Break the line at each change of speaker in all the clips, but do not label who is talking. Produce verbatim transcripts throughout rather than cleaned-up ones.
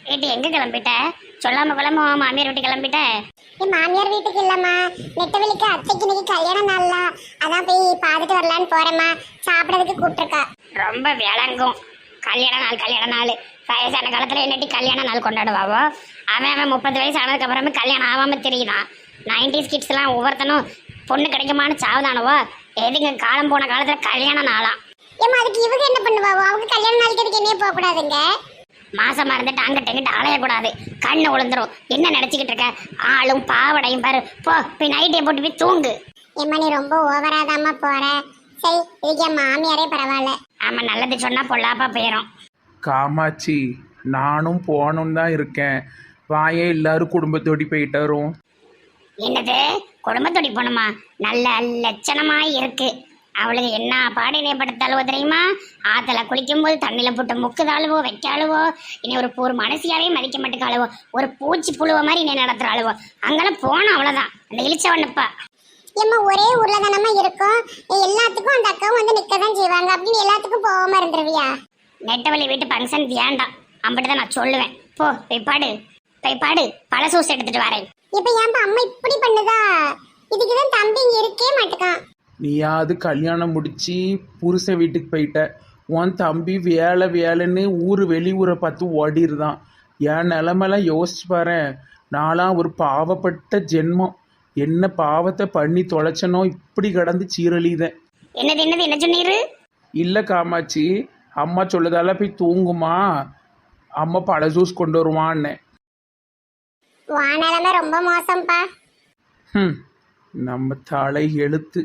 ஏட்டி எங்க கிளம்பிட்ட? சொல்லாம கொள்ளாம உன் மாமியார் வீட்டு கிளம்பிட்ட?
என் மாமியார் வீட்டுக்கு இல்லம்மா, நெட்டவெளிக்கு அத்தைக்கு இன்னைக்கு கல்யாண நாள்ல, அதான் போய் பார்த்துட்டு வரலான்னு போறேம்மா. சாப்பிடறதுக்கு கூப்பிட்டுருக்கா.
ரொம்ப விளங்கும். கல்யாண நாள் கல்யாண நாள் வயசான காலத்துல என்னட்டி கல்யாண நாள் கொண்டாடுவாவோ? அவன் அவன் முப்பது வயசு ஆனதுக்கு அப்புறமே கல்யாணம் ஆகாம தெரியுதான். நைன்டிஸ் கிட்ஸ் எல்லாம் ஒவ்வொருத்தனும் பொண்ணு கிடைக்குமான்னு சாவுதானவோ. எதுங்க காலம் போன காலத்துல கல்யாண நாளாம்.
ஏம்மா அதுக்கு இவங்க என்ன பண்ணுவாவோ? அவங்க கல்யாண நாளுக்கு அதுக்கு என்னையே போக கூடாதுங்க.
மாசமா இருந்துட்டு அங்கிட்ட எங்கிட்ட அலையக்கூடாது, கண்ணு விழுந்துரும். என்ன நினைச்சுக்கிட்டு இருக்க? ஆளும் பாவடையும் பாரு. போ போய் நைட்டே போட்டு போய் தூங்கு.
ஏம்மா நீ ரொம்ப ஓவராதாம்மா போற. சரி இதுக்கு என் மாமியாரே பரவாயில்ல.
ஆமா, நல்லது சொன்னா பொல்லாப்பா போயிடும்.
காமாட்சி, நானும் போகணும் தான் இருக்கேன். வாயே எல்லாரும் குடும்பத்தோடி போயிட்டு வரும்.
என்னது குடும்பத்தோடி போகணுமா? நல்ல லட்சணமா இருக்கு. அவளுக்கு என்ன பாடினை படுத்தாளுவோ தெரியுமா? ஆத்துல குளிக்கும் போது தண்ணியில போட்டு முக்குதாளுவோ வைக்காளுவோ. இனி ஒரு ஒரு மனசியாவே மதிக்க மாட்டேக்காளுவோ. ஒரு பூச்சி புழுவ மாதிரி நீ நடத்துறாளுவோ. அங்கெல்லாம் போனோம் அவ்வளவுதான். அந்த இழிச்சவனுப்பா.
ஏம்மா ஒரே ஊர்ல தானம்மா இருக்கும், எல்லாத்துக்கும் அந்த அக்காவும் வந்து நிக்கதான் செய்வாங்க அப்படின்னு எல்லாத்துக்கும் போகாம இருந்துருவியா?
நெட்டவழி வீட்டு ஃபங்க்ஷன் வேண்டாம் அப்படிதான் நான் சொல்லுவேன். போ போய் பாடு, போய் பாடு. பழ சூஸ் எடுத்துட்டு வரேன்.
இப்ப ஏன்பா அம்மா இப்படி பண்ணுதா? இதுக்குதான் தம்பி இங்க இருக்கே மாட்டுக்கான்.
நீயாவது கல்யாணம் முடிச்சு புருஷன் வீட்டுக்கு போயிட்ட. உன் தம்பி வேலை வேலைன்னு ஊர் வெளியூரை பார்த்து ஓடிடுதான். என் நிலமெல்லாம் யோசிச்சு பாரு. நான்லாம் ஒரு பாவப்பட்ட ஜென்மம். என்ன பாவத்தை பண்ணி தொலைச்சனோ இப்படி கடந்து சீரழிதேன்.
என்னது என்னது என்ன சொன்னீரு?
இல்லை காமாட்சி, அம்மா சொல்லுதால போய் தூங்குமா, அம்மா பழ ஜூஸ் கொண்டு வருவான்னு.
வானலமே ரொம்ப மோசம்பா.
ம் நம்ம தலை எழுத்து.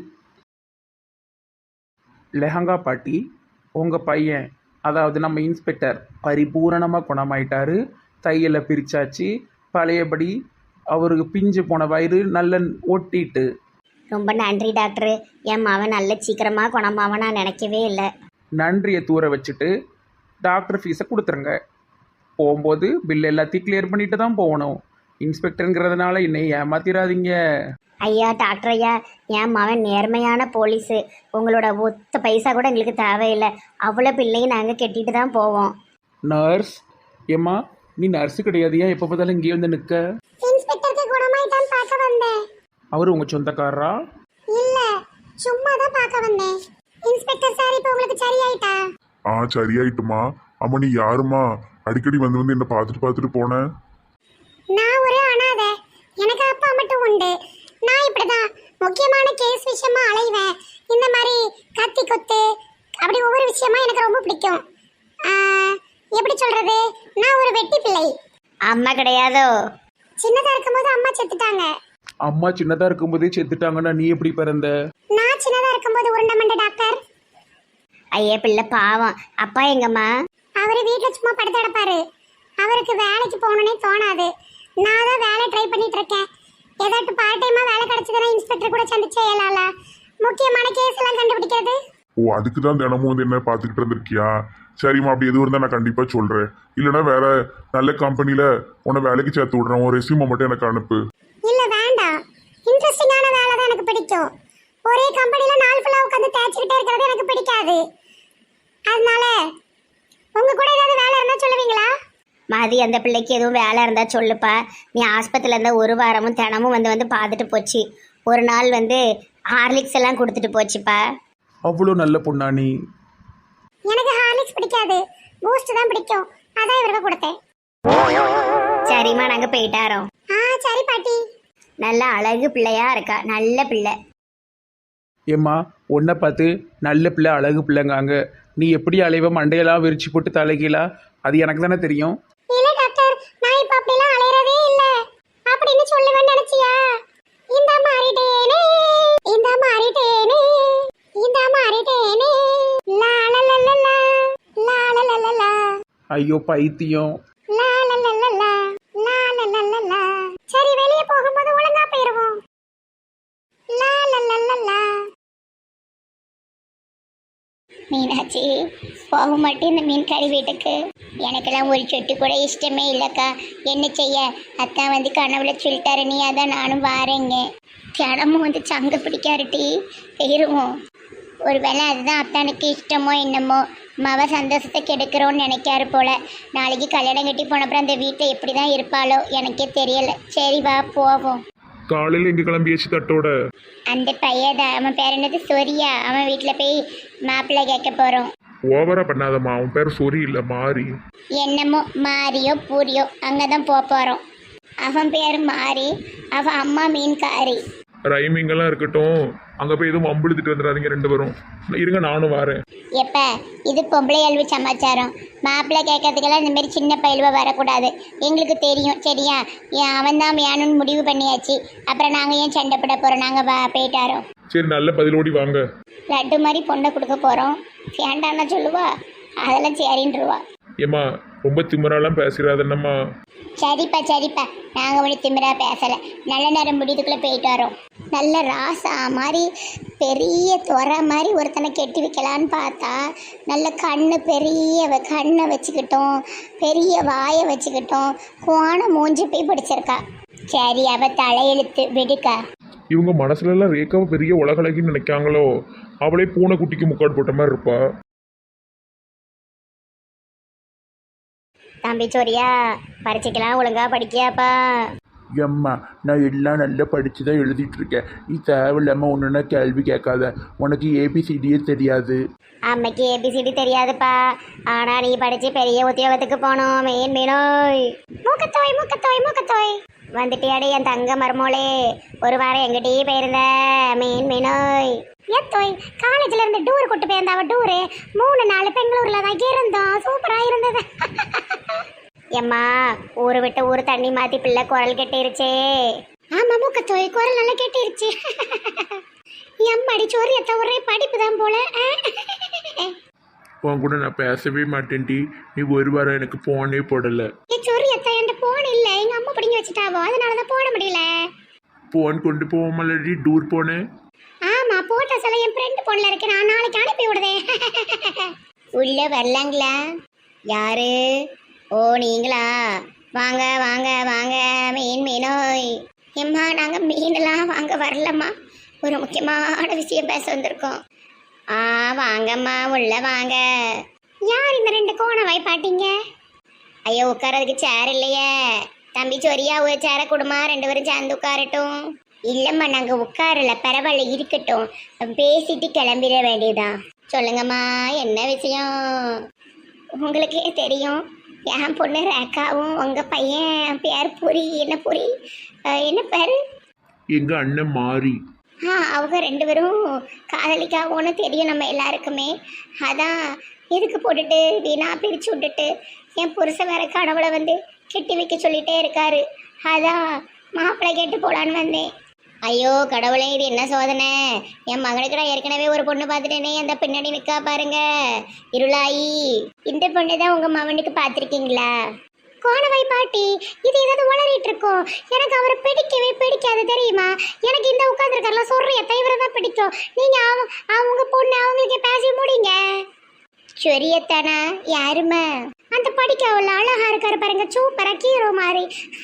லெஹங்கா பாட்டி, உங்கள் பையன் அதாவது நம்ம இன்ஸ்பெக்டர் பரிபூரணமாக குணமாயிட்டாரு. தையலை பிரிச்சாச்சு. பழையபடி அவருக்கு பிஞ்சு போன வயிறு நல்ல ஒட்டிட்டு.
ரொம்ப நன்றி டாக்டர். என் மவன் நல்ல சீக்கிரமாக குணமாவன் நான் நினைக்கவே இல்லை.
நன்றியை தூர வச்சுட்டு டாக்டர் ஃபீஸை கொடுத்துருங்க. போகும்போது பில் எல்லாத்தையும் கிளியர் பண்ணிட்டு தான் போகணும். இன்ஸ்பெக்டருங்கிறதுனால என்னை ஏமாத்திராதீங்க.
ஐயா டாக்டர் ஐயா, என் மவன் நேர்மையான போலீஸு. உங்களோட ஒத்த பைசா கூட எங்களுக்கு தேவையில்லை. அவ்வளோ பிள்ளையும் நாங்கள் கெட்டிட்டு தான் போவோம்.
நர்ஸ் ஏம்மா, நீ நர்ஸு கிடையாது, ஏன் எப்போ பார்த்தாலும் இங்கேயே வந்து நிற்க?
இன்ஸ்பெக்டருக்கு குணமாயிட்டான்னு பார்க்க வந்தேன்.
அவர் உங்கள் சொந்தக்காரரா?
இல்ல, சும்மா தான் பார்க்க வந்தேன். இன்ஸ்பெக்டர் சார் இப்போ உங்களுக்கு சரியாயிட்டா?
ஆ சரியாயிட்டுமா. அம்மா நீ யாருமா? அடிக்கடி வந்து வந்து என்ன பார்த்துட்டு பார்த்துட்டு போனேன்.
நான் ஒரு அனாதை, எனக்கு அப்பா மட்டும் உண்டு. நான் இப்படிதான் முக்கியமான கேஸ் விஷயமா அலைவேன். இந்த மாதிரி கத்தி கொத்து அப்படி ஒவ்வொரு விஷயமா எனக்கு ரொம்ப பிடிக்கும். எப்படி சொல்றது, நான் ஒரு வெட்டி பிள்ளை.
அம்மா கிடையாதோ?
சின்னதா இருக்கும்போது அம்மா செத்துட்டாங்க.
அம்மா சின்னதாக இருக்கும்போதே செத்துட்டாங்கன்னா நீ எப்படி பிறந்த?
நான் சின்னதா இருக்கும்போது உருண்டமண்ட டாக்டர்.
ஐயா பிள்ளை பாவம். அப்பா எங்கம்மா?
அவரு வீட்டுல சும்மா படுத்து கிடப்பாரு. அவருக்கு வேலைக்கு போகணுன்னே தோணாது. நான் தான் வேலை ட்ரை பண்ணிட்டு இருக்கேன். ஏதாட்டு பார்ட் டைமா வேலை கிடைச்சதுன்னா இன்ஸ்பெக்டர் கூட சந்திச்சு செய்யலாம்ல. முக்கியமான கேஸ் எல்லாம் கண்டுபிடிக்கிறது.
ஓ அதுக்கு தான் தினமும் வந்து என்ன பார்த்துக்கிட்டு இருந்திருக்கியா? சரிம்மா, அப்படி எதுவும் இருந்தால் நான் கண்டிப்பாக சொல்கிறேன். இல்லைனா வேற நல்ல கம்பெனியில் உன்னை வேலைக்கு சேர்த்து விட்றேன். உன் ரெஸ்யூமை மட்டும் எனக்கு அனுப்பு.
இல்ல வேண்டாம், இன்ட்ரெஸ்டிங்கான வேலை தான் எனக்கு பிடிக்கும். ஒரே கம்பெனில நாள் ஃபுல்லா உட்காந்து தேய்ச்சிக்கிட்டே இருக்கிறது எனக்கு பிடிக்காது. அதனால உங்க கூட ஏதாவது வேலை இருந்தா சொல்லுவீங்களா?
மதி, அந்த பிள்ளைக்கு எதுவும் வேலை இருந்தால் சொல்லுப்பா. நீ ஆஸ்பத்திரியில் இருந்தால் ஒரு வாரமும் தினமும் வந்து வந்து பார்த்துட்டு போச்சு. ஒரு நாள் வந்து ஹார்லிக்ஸ் எல்லாம் கொடுத்துட்டு போச்சுப்பா.
அவ்வளோ நல்ல பொண்ணா நீ?
எனக்கு ஹார்லிக்ஸ் பிடிக்காது, பூஸ்ட் தான் பிடிக்கும். அதான் இவருக்கு கொடுத்தேன்.
சரிம்மா, நாங்கள் போயிட்டாரோம்.
ஆ சரி பாட்டி.
நல்ல அழகு பிள்ளையா இருக்கா, நல்ல பிள்ளை.
ஏம்மா, உன்னை பார்த்து நல்ல பிள்ளை அழகு பிள்ளைங்காங்க. நீ எப்படி அலைவ மண்டையெல்லாம் விரிச்சு போட்டு தலைகீழா? அது எனக்கு தானே தெரியும்.
இல்ல டாக்டர், நான் இப்ப அப்படிலாம் அலையறதே இல்ல அப்படின்னு சொல்லுவேன்னு நினைச்சியா? இந்த மாறிட்டேனே, இந்த மாறிட்டேனே, இந்த மாறிட்டேனே, லா லா லா லா லா, லா லா லா லா லா.
ஐயோ பைத்தியம்.
லா லா லா லா லா, லா லா லா லா லா. சரி வெளிய போகும்போது ஒழுங்கா போயிருவோம். லா லா லா லா லா.
மீனாட்சி, போக மாட்டேன் இந்த மீன் கறி வீட்டுக்கு. எனக்கெல்லாம் ஒரு சொட்டு கூட இஷ்டமே இல்லைக்கா. என்ன செய்ய, அக்கா வந்து கனவுல சொல்லிட்டாரு நீ, அதான் நானும் வாரேங்க. தினமும் வந்து சங்க பிடிக்காருட்டி போயிடுவோம். ஒரு வேளை அதுதான் அத்தானுக்கு இஷ்டமோ என்னமோ. மவ சந்தோஷத்தை கெடுக்கிறோன்னு நினைக்காரு போல. நாளைக்கு கல்யாணம் கட்டி போனப்புறம் அந்த வீட்டில் எப்படி தான் இருப்பாளோ எனக்கே தெரியல. சரி வா போவோம்.
காலையில் எங்கே கிளம்பியாச்சு தட்டோட?
அந்த பையதான், அவன் பேர் என்னது, சொரியா, அவன் வீட்டில் போய் மாப்பிள்ளை கேட்க போகிறோம்.
ஓவரா பண்ணாதம்மா, அவன் பேர் சொரி இல்லை மாறி.
என்னமோ மாரியோ பூரியோ அங்கே தான் போக போகிறோம். அவன் பேர் மாறி, அவன் அம்மா மீன்காரி.
ரைமிங்கெல்லாம் இருக்கட்டும், அங்கே போய் எதுவும் அம்புழுத்துட்டு வந்துடாதீங்க ரெண்டு பேரும். இருங்க நானும் வரேன்.
எப்ப இது பொம்பளை அல்வி சமாச்சாரம். மாப்பிள்ளை கேட்கறதுக்கெல்லாம் இந்த மாதிரி சின்ன பயில்வ வரக்கூடாது. எங்களுக்கு தெரியும் சரியா. ஏன் அவன் தான் வேணும்னு முடிவு பண்ணியாச்சு. அப்புறம் நாங்கள் ஏன் சண்டை போட போகிறோம்? நாங்கள் வா போயிட்டாரோம்.
சரி நல்ல பதிலோடி வாங்க.
லட்டு மாதிரி பொண்ணை கொடுக்க போகிறோம். வேண்டான்னா சொல்லுவா, அதெல்லாம் சரின்றுவா.
ஏம்மா ரொம்ப திமிராலாம் பேசுகிறாதன்னம்மா.
சரிப்பா சரிப்பா, நாங்கள் ஒன்று திமிரா பேசலை. நல்ல நேரம் முடிதுக்குள்ளே போயிட்டு வரோம். நல்ல ராசா மாதிரி பெரிய துறை மாதிரி ஒருத்தனை கெட்டி வைக்கலான்னு பார்த்தா, நல்ல கண்ணு பெரிய கண்ணை வச்சுக்கிட்டோம், பெரிய வாயை வச்சுக்கிட்டோம், கோண மூஞ்சி போய் பிடிச்சிருக்கா. சரி அவ தலையெழுத்து விடுக்கா.
இவங்க மனசுலலாம் ரேக்காவை பெரிய உலகளகின்னு நினைக்காங்களோ? அவளே பூனை குட்டிக்கு முக்காடு போட்ட மாதிரி இருப்பா.
தம்பி சோரியா, பரீட்சைக்கெல்லாம் ஒழுங்கா படிக்கியாப்பா?
எம்மா நான் எல்லாம் நல்லா படித்து தான் எழுதிட்டு இருக்கேன். நீ தேவையில்லாமல் ஒன்றுனா கேள்வி கேட்காத. உனக்கு ஏபிசிடியே தெரியாது.
அம்மைக்கு ஏபிசிடி தெரியாதுப்பா. ஆனால் நீ படித்து பெரிய உத்தியோகத்துக்கு போனோம். மெயின் மீனோய் மூக்கத்தோய் மூக்கத்தோய் மூக்கத்தோய் வந்துட்டியாடி என் தங்க மருமோளே. ஒரு வாரம் எங்கிட்டயே போயிருந்த மெயின் மீனோய். ஏத்தோய் காலேஜ்ல இருந்து டூர் கூட்டு போயிருந்தாவ. டூரு மூணு நாலு பெங்களூர்ல தான் இருந்தோம். சூப்பரா இருந்தது. எம்மா ஊரு விட்டு ஊரு தண்ணி மாத்தி பிள்ளை குரல் கெட்டிருச்சே. ஆமா மூக்கத்தோய் குரல் நல்லா கெட்டிருச்சு. எம்மாடி சோரியத்த ஒரே படிப்பு தான் போல.
உன் கூட நான் பேசவே மாட்டேன்டி. நீ ஒரு வாரம் எனக்கு போனே போடலை.
சோரியத்த என்கிட்ட போன் இல்லை, எங்க அம்மா பிடிங்கி வச்சுட்டாவோ, அதனாலதான் போட முடியல.
போன் கொண்டு போவோமல்லடி டூர் போனேன்.
ஆமா போட்ட சில என் ஃப்ரெண்ட் போன்ல இருக்கு, நான் நாளைக்கு அனுப்பி விடுதேன். உள்ள வரலாங்களா? யாரு? ஓ நீங்களா? வாங்க வாங்க வாங்க. மீன் மீனோய். எம்மா நாங்க மீனெல்லாம் வாங்க வரலம்மா, ஒரு முக்கியமான விஷயம் பேச வந்திருக்கோம். ஆ வாங்கம்மா உள்ள வாங்க. யார் இந்த ரெண்டு கோணவாய் பாட்டிங்க? ஐயோ உட்காரதுக்கு சேர் இல்லையே. தம்பி சொரியா ஒரு சேரை கொடுமா, ரெண்டு பேரும் சேர்ந்து உட்காரட்டும். இல்லைம்மா நாங்கள் உட்காரல, பரவாயில்ல இருக்கட்டும், பேசிட்டு கிளம்பிட வேண்டியதான். சொல்லுங்கம்மா என்ன விஷயம்? உங்களுக்கே தெரியும், என் பொண்ணு ரேக்காவும் உங்கள் பையன் பேர் புரி. என்ன புரி? என்ன பேர்?
எங்கள் அண்ணன் மாறி.
ஆ அவங்க ரெண்டு பேரும் காதலிக்காவோன்னு தெரியும் நம்ம எல்லாருக்குமே. அதான் எதுக்கு போட்டுட்டு வீணா பிரித்து விட்டுட்டு என் புருஷன் வேற கனவுல வந்து கெட்டி வைக்க சொல்லிட்டே இருக்காரு. அதான் மாப்பிள்ளை கேட்டு போலான்னு வந்தேன். ஐயோ கடவுளே, இது என்ன சோதனை? என் மகனுக்கு நான் ஏற்கனவே ஒரு பொண்ணு பார்த்துட்டேனே, அந்த பின்னாடி நிற்கா பாருங்க இருளாயி. இந்த பொண்ணு தான் உங்கள் மகனுக்கு பார்த்துருக்கீங்களா? கோணவை பாட்டி, இது ஏதாவது உளறிட்டு இருக்கோம். எனக்கு அவரை பிடிக்கவே பிடிக்காது தெரியுமா? எனக்கு இந்த உட்காந்துருக்காருல சொல்றிய தவிர தான் பிடிக்கும். நீங்க அவங்க பொண்ணு அவங்களுக்கு பேசி முடிங்க. சொரியத்தானா? யாருமா? அந்த படிக்க அவ்வளோ அழகா இருக்காரு பாருங்க, சூப்பரா கீரோ மாதிரி.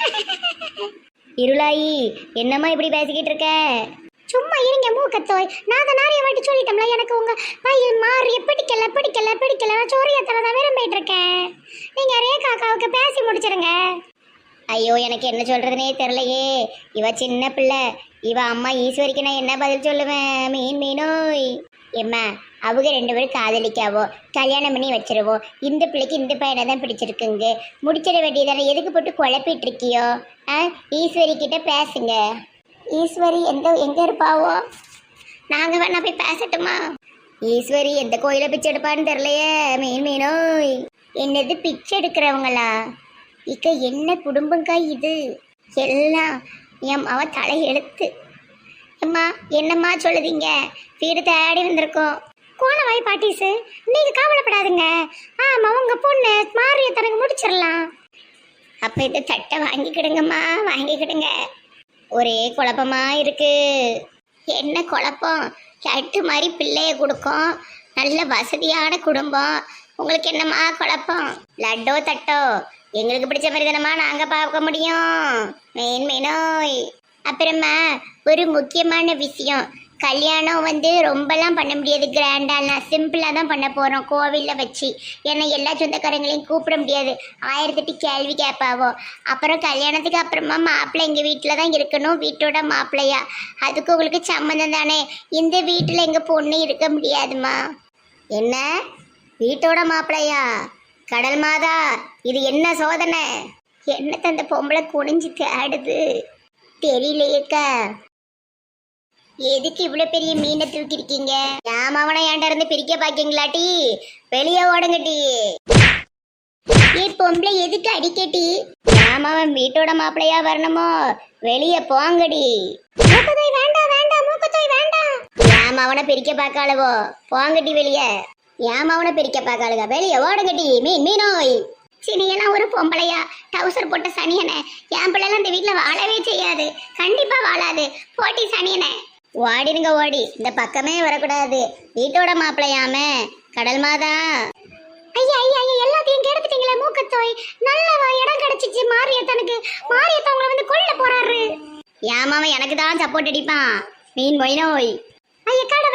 இருளாயி என்னம்மா இப்படி பேசிக்கிட்டு இருக்க? சும்மா இருங்க மூக்கத்தோய். நான் தான் நிறைய வாட்டி சொல்லிட்டோம்ல, எனக்கு உங்க பையன் மாறிய பிடிக்கல பிடிக்கல பிடிக்கல. நான் சோரியத்தனை தான் விரும்பிட்டு இருக்கேன். நீங்க ரேகாக்காவுக்கு பேசி முடிச்சிருங்க. ஐயோ எனக்கு என்ன சொல்றதுனே தெரியலையே. இவ சின்ன பிள்ளை, இவ அம்மா ஈஸ்வரிக்கு நான் என்ன பதில் சொல்லுவேன்? மீன் மீனோய். எம்மா அவங்க ரெண்டு பேரும் காதலிக்காவோ, கல்யாணம் பண்ணி வச்சிருவோம். இந்த பிள்ளைக்கு இந்த பையனை தான் பிடிச்சிருக்குங்க, முடிச்சிட வேண்டியதானே. எதுக்கு போட்டு குழப்பிட்டு இருக்கியோ? ஆ ஈஸ்வரி கிட்ட பேசுங்க. ஈஸ்வரி எந்த எங்க இருப்பாவோ? நாங்க வேணா போய் பேசட்டுமா? ஈஸ்வரி எந்த கோயில பிச்சை எடுப்பான்னு தெரியலையே. மீன் மீனோய். என்னது பிச்சை எடுக்கிறவங்களா? இக்க என்ன குடும்பங்கா இது எல்லாம்? என் அவ தலை எழுத்து. அம்மா என்னம்மா சொல்லுதீங்க? வீடு தேடி வந்திருக்கோம். கோணவாய் பாட்டிஸு நீங்க கவலைப்படாதுங்க. ஆமா உங்க பொண்ணு மாறிய தனக்கு முடிச்சிடலாம். அப்ப இந்த தட்டை வாங்கிக்கிடுங்கம்மா, வாங்கிக்கிடுங்க. ஒரே குழப்பமா இருக்கு. என்ன குழப்பம்? சட்டு மாதிரி பிள்ளைய கொடுக்கும், நல்ல வசதியான குடும்பம். உங்களுக்கு என்னம்மா குழப்பம்? லட்டோ தட்டோ எங்களுக்கு பிடிச்ச மாதிரி தானம்மா நாங்க பார்க்க முடியும். மெயின் மெயினோய். அப்புறமா ஒரு முக்கியமான விஷயம், கல்யாணம் வந்து ரொம்பலாம் பண்ண முடியாது கிராண்டாலாம், சிம்பிளாக தான் பண்ண போகிறோம் கோவிலில் வச்சு. ஏன்னா எல்லா சொந்தக்காரங்களையும் கூப்பிட முடியாது, ஆயிரத்தெட்டு கேள்வி கேட்பாவோ. அப்புறம் கல்யாணத்துக்கு அப்புறமா மாப்பிள்ளை எங்கள் வீட்டில் தான் இருக்கணும், வீட்டோட மாப்பிள்ளையா. அதுக்கு உங்களுக்கு சம்மந்தம் தானே, இந்த வீட்டில் எங்கள் பொண்ணு இருக்க முடியாதுமா. என்ன வீட்டோட மாப்பிள்ளையா? கடல் மாதா, இது என்ன சோதனை? என்ன தந்த பொம்பளை குனிஞ்சு தேடுது தெரியலையேக்கா. எதுக்கு இவ்வளோ பெரிய மீனை தூக்கிருக்கீங்க? ஏமாவனை ஏன்டா இருந்து பிரிக்க பாக்கீங்களாட்டி? வெளியே ஓடுங்கட்டி. ஏ பொம்பளை எதுக்கு அடிக்கட்டி? ஏமாவன் வீட்டோட மாப்பிள்ளையா வரணுமோ? வெளியே போங்கடி. மூக்கத்தோய் வேண்டாம் வேண்டாம், மூக்கத்தோய் வேண்டாம். ஏமாவனை பிரிக்க பார்க்காளவோ, போங்கட்டி வெளியே. ஏமாவனை பிரிக்க பார்க்காளுங்க, வெளியே ஓடுங்கட்டி. மீன் மீனோய் சினியெல்லாம் ஒரு பொம்பளையா? டவுசர் போட்ட சனியனை. என் பிள்ளைலாம் இந்த வீட்டில் வாழவே செய்யாது, கண்டிப்பா வாழாது. போட்டி சனியனை. ஓடிடுங்க ஓடி, இந்த பக்கமே வரக்கூடாது. வீட்டோட மாப்பிள்ளையாம கடல் மாதா.
ஐயா ஐயா ஐயா, எல்லாத்தையும் கெடுத்துட்டீங்களே மூக்கத்தோய். நல்ல இடம் கிடைச்சிச்சு மாரியத்தனுக்கு. மாரியத்த உங்களை வந்து கொல்ல போறாரு.
ஏமாவன் எனக்கு தான் சப்போர்ட் அடிப்பான். மீன் மொய் நோய்.
ஐயா கடை